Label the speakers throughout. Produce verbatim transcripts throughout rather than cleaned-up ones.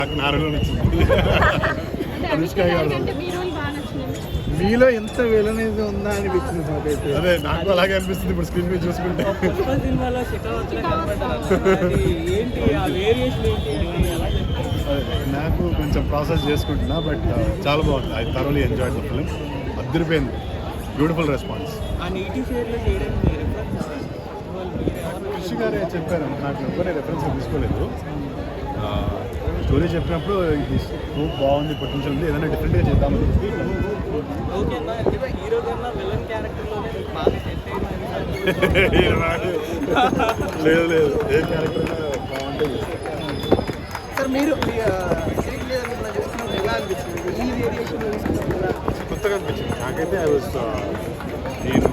Speaker 1: మీలో ఎంత విలనేది ఉందా అనిపించింది నాకైతే.
Speaker 2: అదే నాకు అలాగే అనిపిస్తుంది ఇప్పుడు స్క్రీన్ మీద చూసుకుంటే. నాకు కొంచెం ప్రాసెస్ చేసుకుంటున్నా, బట్ చాలా బాగుంది. I thoroughly enjoyed the film. అద్దరిపోయింది. Beautiful response. కృషి గారే చెప్పారు, నాకు ఎవరే రెఫరెన్స్ తీసుకోలేదు. స్టోరీ చెప్పినప్పుడు ఇది స్కోప్ బాగుంది, పొటెన్షియల్ ఉంది, ఏదైనా డిఫరెంట్గా చేద్దామని చెప్పి. లేదు లేదు ఏ క్యారెక్టర్ బాగుంటుంది.
Speaker 3: సార్ మీరు ఎలా అనిపించింది ఈ వేరియేషన్
Speaker 2: కొత్తగా అనిపించింది నాకైతే. ఐ వాజ్ నేను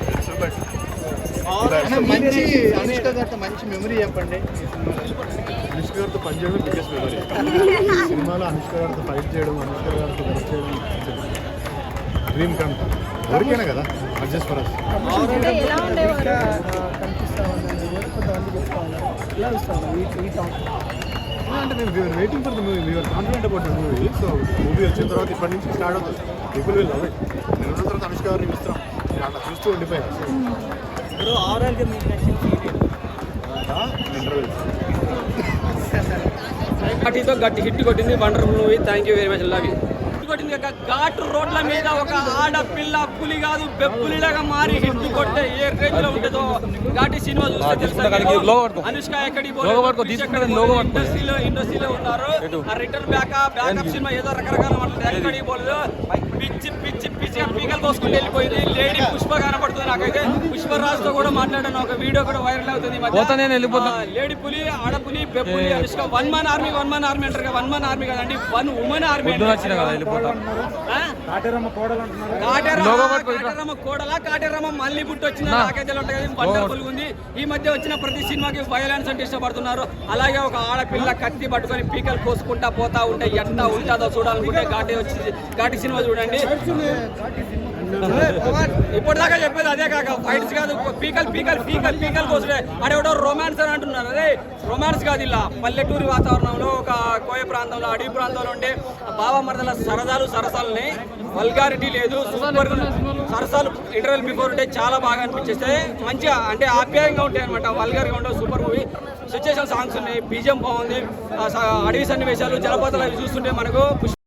Speaker 1: మంచి అనుష్క గారితో మంచి మెమరీ చెప్పండి.
Speaker 2: అనుష్క గారితో పనిచేయడం బిగ్గెస్ట్ మెమరీ. సినిమాలో అనుష్క గారితో ఫైట్ చేయడం, అనుష్క గారితో వర్క్ చేయడం డ్రీమ్ కమ్. ఎవరికైనా కదా, నాట్ జస్ట్ ఫర్ us. అంటే నేను we're waiting for the movie, we're confident about the movie. So movie వచ్చిన తర్వాత ఇప్పటి నుంచి స్టార్ట్ అవుతుంది. People will love it. నేను ఉన్న తర్వాత అనుష్క గారిని ఇస్తాం, అట్లా చూస్తూ ఉండిపోయాను.
Speaker 4: గట్టితో గట్టి హిట్ కొట్టింది. Wonderful movie. Thank you very much. Love you. కొట్టింది ఘాటు రోడ్ల మీద ఒక ఆడపిల్ల పులి కాదు బెప్పులిలాగా మారి హిట్ కొట్టే ఏ రేంజ్ లో ఉంటుందో ఘాటి సినిమా చూస్తే తెలుసు. అనుష్క ఎక్కడికి ఇండస్ట్రీలో ఇండస్ట్రీలో ఉన్నారు. ఆ రిటర్న్ బ్యాక్ బ్యాకప్ సినిమా ఏదో రకరకాల మాటలు ఎక్కడికి పోలేదు. పిచ్చి పిచ్చి పిచ్చిగా పీకలు కోసుకుంటూ వెళ్ళిపోయింది. లేడీ పుష్ప కనపడుతుంది. నాకైతే పుష్పరాజుతో కూడా మాట్లాడాను, ఒక వీడియో కూడా వైరల్ అవుతుంది. లేడీ పులి, ఆడపులి, బెప్పులి, Anushka one man army one man army అంటారు. వన్ మన్ ఆర్మీ కదండి, వన్ ఉమెన్ ఆర్మీ. కాటేరమ్మ కోడలా కాటేరమ్మ మళ్ళీ పుట్టి వచ్చిన నాకైతే వండర్ఫుల్ ఉంది. ఈ మధ్య వచ్చిన ప్రతి సినిమాకి వైలెన్స్ అంటే ఇష్టపడుతున్నారు. అలాగే ఒక ఆడపిల్ల కత్తి పట్టుకొని పీకలు కోసుకుంటా పోతా ఉంటే ఎంత ఉంటుందో చూడాలనుకుంటే ఘాటి వచ్చి ఘాటి సినిమా చూడండి. ఇప్పటిదాకా చెప్పేది అదే కాక ఫైట్స్ కాదు, పీకల్ పీకల్ పీకల్ పీకల్ కోసుడే. అడేవడో రొమాన్స్ అని అంటున్నారు. అదే రొమాన్స్ కాదు, ఇలా పల్లెటూరి వాతావరణంలో ఒక కోయ ప్రాంతంలో అడవి ప్రాంతంలో ఉండే బావ మరదల సరదాలు సరసాలని వల్గారిటీ లేదు. సూపర్ సరసాలు ఇంటర్వెల్ బిఫోర్ ఉంటే చాలా బాగా అనిపించేస్తే మంచిగా అంటే ఆప్యాయంగా ఉంటాయి అనమాట. వల్గార్గా ఉంటే సూపర్ మూవీ. సిచ్యుయేషన్ సాంగ్స్ ఉన్నాయి, బీజం బాగుంది, అడవి సన్నివేశాలు, జలపాతాలు అవి చూస్తుంటే మనకు